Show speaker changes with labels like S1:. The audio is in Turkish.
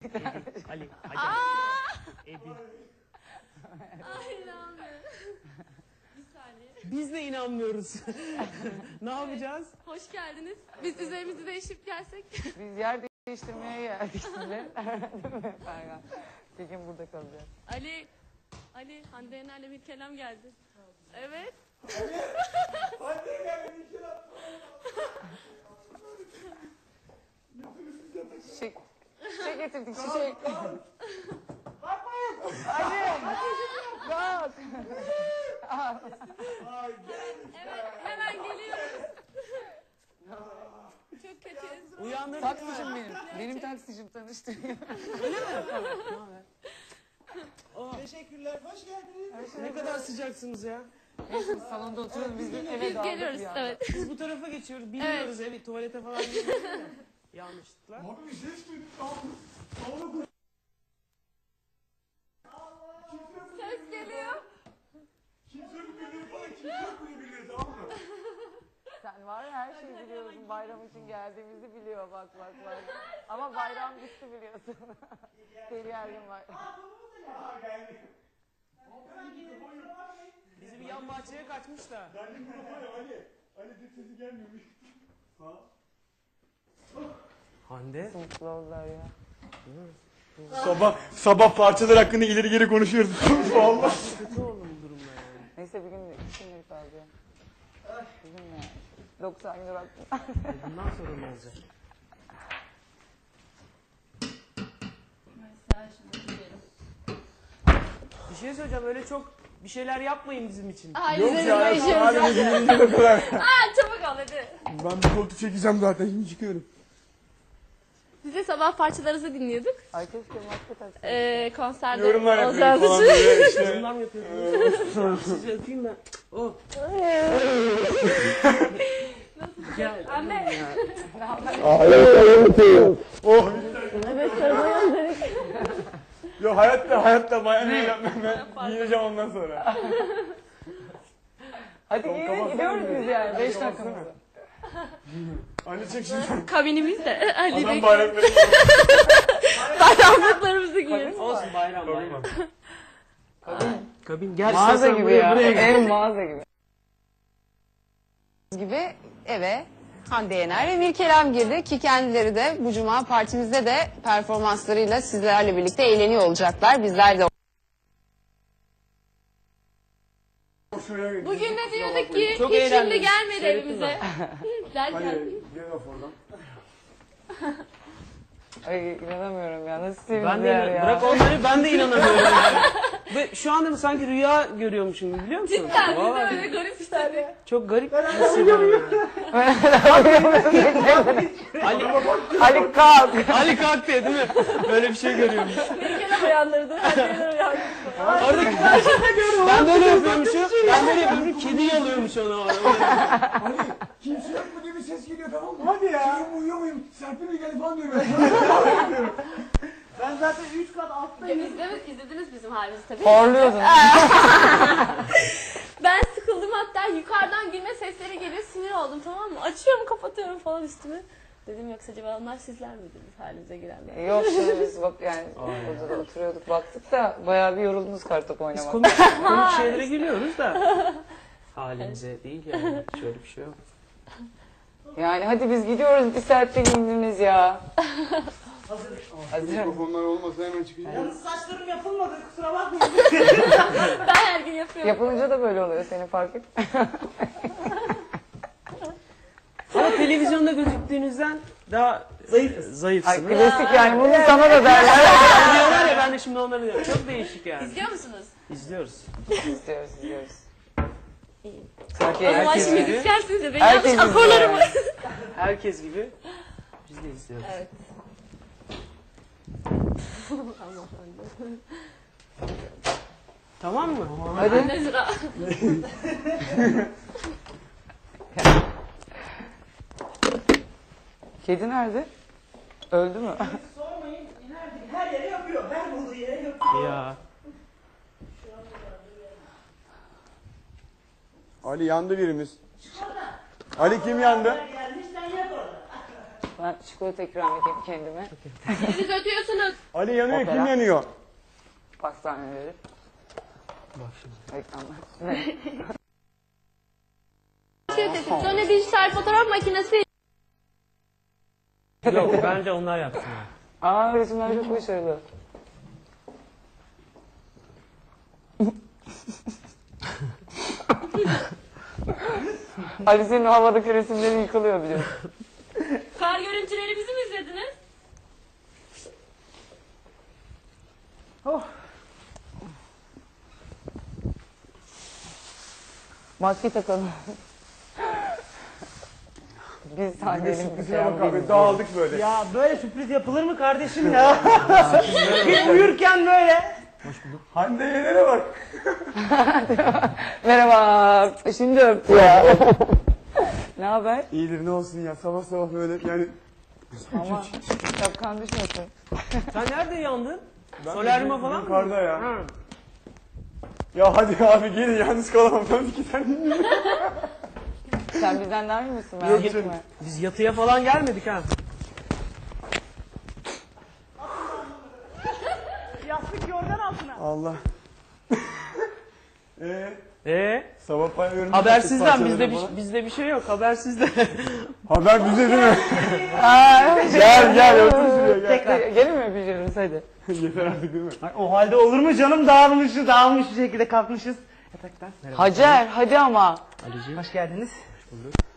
S1: Ali. Ebi.
S2: Ay inanmıyorum. Bir saniye.
S1: Biz de inanmıyoruz. Ne yapacağız?
S2: Hoş geldiniz. Biz üzerimizi değişip gelsek.
S3: Biz yer değiştirmeye geldik şimdi. Değil mi Ferhan? Bir gün burada kalacağız.
S2: Ali, Hande Yener'le bir kelam geldi. Evet.
S4: Hande Yener'le bir kelam.
S3: Şişe getirdik, şişe. Bakmayın. Ali. Bak.
S2: Evet, hemen geliyoruz. Çok kötüyüz.
S1: Uyandırdık.
S3: Taksicim benim. Benim taksicim tanıştırıyor.
S4: Teşekkürler, hoş geldiniz.
S1: Ne kadar sıcaksınız ya.
S3: Neyse salonda oturuyoruz biz eve
S2: Biz
S3: dağıldık
S2: geliyoruz,
S3: bir anda.
S2: evet.
S1: Biz bu tarafa geçiyoruz. Bilmiyoruz evet tuvalete falan gidiyoruz da. Yanlışlıkla.
S4: Abi bir ses duydum. Salona koş.
S2: Ses geliyor.
S4: Kimse bilir bana, kimse bunu bilir, tamam mı?
S3: Sen var ya her şeyi biliyorsun. Bayram için geldiğimizi biliyor bak. Ama bayram gitti biliyorsun. Deli yergin var.
S4: Aha geldi.
S1: Bizi bir yan bahçeye kaçmış da.
S4: Geldi mikrofonu Ali. Ali de sesi gelmiyormuş. Ha?
S1: Hande.
S3: Mutlu oldular ya.
S4: Sabah parçalar hakkında ileri geri konuşuyoruz. Allah.
S1: Kötü oğlum bu durumda yani.
S3: Neyse bir gün şimdilik kaldı ya. Bugün ne? 90 gün baktım.
S1: Bundan sonra ne olacak? Bir şey söyleyeceğim öyle çok bir şeyler yapmayın bizim için.
S2: Ay,
S4: Yok
S2: üzerimize
S4: ya,
S2: işiyoruz.
S4: hadi bizim o kadar.
S2: Çabuk ol hadi.
S4: Ben bir koltuk çekeceğim zaten, şimdi çıkıyorum.
S2: Biz de sabah parçalarınızı dinliyorduk.
S3: Ay keşke maske taksaydım.
S2: Konserde
S4: Yorumlar
S2: olacağınız
S4: yapıyorum falan
S2: için.
S4: böyle işte.
S1: Yorumlar mı yapıyorsunuz? Sizi öpeyim ben. Oh. Gel.
S2: Anne.
S4: Oh.
S2: Evet sarılmayalım dedik.
S4: Yo hayatta mayonez yapmam, ben giyineceğim ondan sonra.
S3: Hadi
S4: Kapatsana
S3: gidiyoruz
S4: bir.
S3: biz yani. 5
S4: Kapatsana.
S3: dakikamızda.
S4: Ali çek şimdi.
S2: Kabinimizde. Ali
S4: Adam
S2: bekliyor.
S4: bayrakları.
S2: Bayramlıklarımızı giyiyoruz.
S1: Olsun bayram bayram. Kabin gel.
S3: Mağaza
S1: istersen
S3: gibi
S1: buraya,
S3: ya.
S1: buraya gel.
S3: Ev mağaza gibi. Gibi eve Hande Yener ve Mirkelam girdi ki kendileri de bu cuma partimizde de performanslarıyla sizlerle birlikte eğleniyor olacaklar. Bizler de
S2: Bugün de diyorduk ki
S1: Çok
S2: hiç
S1: eğlendim.
S2: şimdi gelmedi
S1: Seyrettin
S2: evimize. Derken.
S4: Gel of oradan.
S3: ay inanamıyorum ya. Nasıl
S1: Ben de
S3: sevimliler ya.
S1: bırak onları ben de inanamıyorum yani. Ve şu anda sanki rüya görüyormuşum gibi biliyor musun?
S2: Cidden biz de
S1: Vallahi
S2: öyle garip işte.
S1: çok garip hissediyorum yani.
S3: Ali kalk.
S1: Ali kalk diye değil mi? Böyle bir şey görüyormuş.
S2: Mirkelam uyandırdı. Hadi uyandırdı.
S1: Oradaki ben böyle yapıyormuşum. Ben böyle yapıyorum. Kedi yalıyormuş ona.
S4: Ali kimse yok mu diye bir ses geliyor, tamam mı? Hadi ya. Çocuğum uyuyor muyum? Serpil mi geldi falan diyor ben.
S5: Ben zaten 3 kat alttayım.
S2: İzlediniz bizim halimizi tabii.
S3: Horluyordun.
S2: Ben sıkıldım hatta yukarıdan gülme sesleri geliyor sinir oldum tamam mı? Açıyorum kapatıyorum falan üstümü. Dedim yoksa acaba onlar sizler miydiniz halimize girenler?
S3: Yok şimdi biz bak yani burada da oturuyorduk baktık da bayağı bir yoruldunuz kartopu
S1: Biz
S3: oynamak.
S1: komik şeylere gülüyoruz da. Halimize değil yani. Şöyle bir şey yok.
S3: Yani hadi biz gidiyoruz bir saatte giyindiniz ya. Hazır.
S4: Mikrofonlar olmasa hemen çıkacağım.
S5: Yalnız saçlarım yapılmadı, kusura bakmayın.
S2: Ben her gün yapıyorum.
S3: Yapılınca da böyle oluyor seni fark et.
S1: Ama televizyonda gözüktüğünüzden daha
S3: Ay
S1: zayıfsınız.
S3: klasik yani bunu sana da derler.
S1: Diyorlar ya ben de şimdi onları diyorum. Çok değişik yani.
S2: İzliyor musunuz?
S1: İzliyoruz.
S3: izliyoruz.
S2: İyi.
S3: Sanki
S2: O zaman
S3: herkes
S2: şimdi
S3: gibi.
S2: müzikselsiniz de ben
S3: Herkes
S2: yanlış
S3: izliyor
S2: akorlarımı.
S3: yani.
S1: Herkes gibi biz de izliyoruz.
S2: Evet.
S1: Tamam mı?
S3: Hadi.
S2: Ne sıra?
S3: Kedi nerede? Öldü mü?
S5: Sormayın, her yere yapıyor. Her bulduğu yere yapıyor.
S1: Ya.
S4: Ali yandı birimiz. Ali kim yandı?
S5: Gelmiş, sen yap orada.
S3: Ben çikolata ikram edeyim kendime.
S2: Siz ötüyorsunuz.
S1: Ali yanıyor,
S3: Opera.
S1: kim yanıyor?
S3: Pastaneleri.
S1: Bak şimdi.
S3: Reklamlar.
S2: Sonra dijital fotoğraf makinesi.
S1: Yok bence onlar yapsın.
S3: Aa resimler çok başarılı. Ali senin havadaki resimlerin yıkılıyor biliyorsun.
S2: Kar görüntüleri bizi mi izlediniz?
S3: Maske takalım. Biz sahnenin
S4: Sürprize bak abi dağıldık böyle.
S5: Ya böyle sürpriz yapılır mı kardeşim ya? Biz uyurken böyle.
S4: Hande Yener'e bak.
S3: Merhaba. Şimdi öptü ya. Ne haber?
S4: İyidir ne olsun ya sabah sabah böyle yani.
S3: Ama şapkan düşmesin.
S1: Sen nerede yandın?
S4: Ben
S1: Solaryuma falan mı?
S4: Yukarıda ya.
S1: Ha.
S4: Ya hadi abi gelin yalnız kalamam. Ben 2 tane
S3: Sen bizden daha iyi misin?
S1: Yok,
S3: Merak etme.
S1: Biz yatıya falan gelmedik ha.
S5: Yastık yorgan altına.
S4: Allah. Sabah paylıyorum.
S1: Habersizden bizde bir şey yok. Habersizde.
S4: Haber bize değil mi? Gel gel otur şuraya gel.
S3: Tekrar gelin mi öpüşürüz hadi.
S4: Yeter artık değil mi?
S5: Ay, o halde olur mu canım dağılmış bir şekilde kalkmışız yataktan.
S3: Hacer hadi ama.
S1: Ali'ciğim.
S5: Hoş geldiniz.